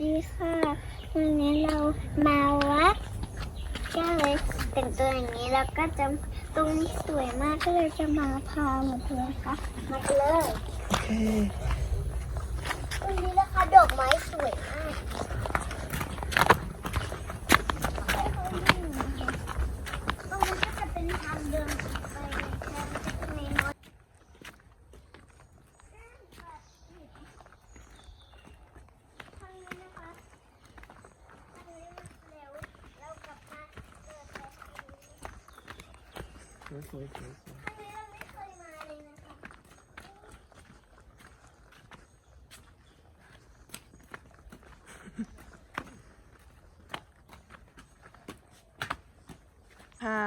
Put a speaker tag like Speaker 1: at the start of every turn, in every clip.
Speaker 1: ดีค่ะวันนี้เรามาวัดก็เลยแต่งตัวอย่างนี้แล้วก็จะตรงนี้สวยมากก็เลยจะมาพามาดูนะคะมาเลย
Speaker 2: โอเค
Speaker 1: ตรงนี้นะคะดอกไม้สวยมากตรงนี้ก็จะเป็นทางเดินไปในน้อย
Speaker 2: สวยค่ะ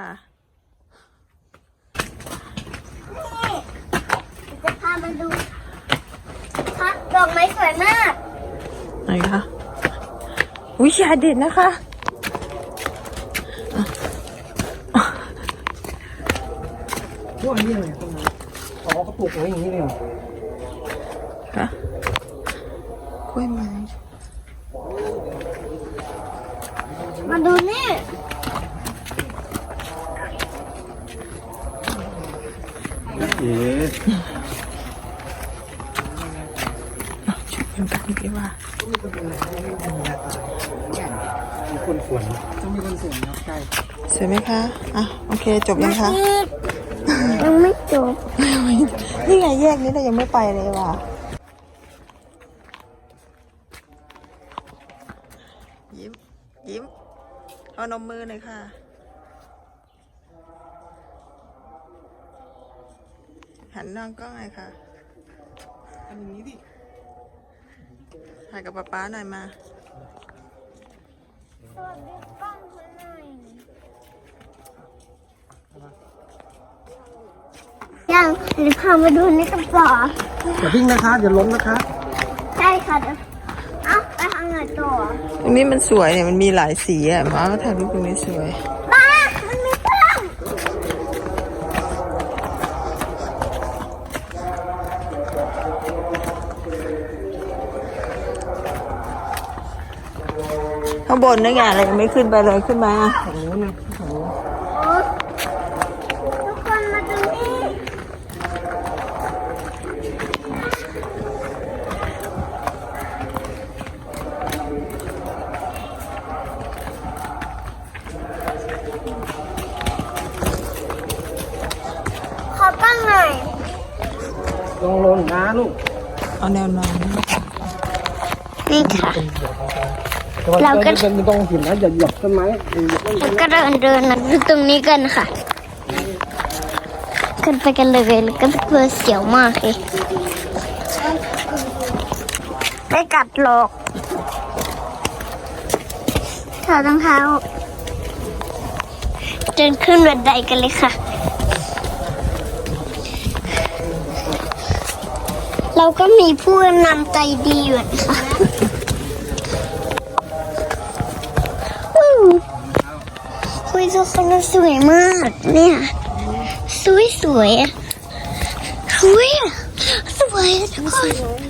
Speaker 1: จะพามาดูค่ะดอกไม้สวยมาก
Speaker 2: ไหนคะวิชาเด็ดนะคะ
Speaker 3: พวกนี้อะไรตรงนั้นอ๋อเขาปลูกไว้อย่างนี้เลยเหรอ
Speaker 2: ค่ะกล้วยไม้
Speaker 1: มาดูนี่
Speaker 2: ชุดเป็นแบบนี้ว่า
Speaker 3: มีคนสวนต้องมีคนสวนนะใช่
Speaker 2: สวยไหมคะอ่ะโอเคจบยังคะ
Speaker 1: ยังไม่จบ
Speaker 2: นี่ไงแยกนี้เรายังไม่ไปเลยว่ะยิ้มเอานมมือหน่อยค่ะหันน้องกล้องหน่อยค่ะ
Speaker 3: อันนี้ดิ
Speaker 2: ถ่ายกับป๊าหน่อยมา
Speaker 1: สวัสดีกล้องเพื่อนหน่อยยังหรือพามาดูนี่กันต่อ
Speaker 3: อย่าวิ่งนะคะอย่าล้มนะคะ
Speaker 1: ใช่ค่ะเอ้าไปทางไหนต่อ
Speaker 2: ตรงนี้มันสวยเนี่ยมันมีหลายสีอ่ะมาถ่ายรูปตรงนี้สวย
Speaker 1: บ้ามันมีกล้อง
Speaker 2: ข้างบนนี่ไงเรายังไม่ขึ้นไปเลยขึ้นมา
Speaker 3: ฝั่งนู้นนะฝั่งนู้น
Speaker 1: ทุกคนมาดูนี่ขอตั้งหน่อย
Speaker 3: ลงนะลูก
Speaker 2: เอาแนวนอน
Speaker 1: นี่ค่ะ
Speaker 3: เราก็ไม่ต้องหินนะอย่าหยับต้นไม้
Speaker 1: แล้วก็เดินนะดูตรงนี้กันค่ะขึ้นไปกันเลยแล้วก็เพื่อเสียวมากเลยไม่กัดหรอกถอดรองเท้าเดินขึ้นบันไดกันเลยค่ะเราก็มีผู้นำใจดีอยู่นะคะคุยทุกคนสวยมากเนี่ยสวยทุกคน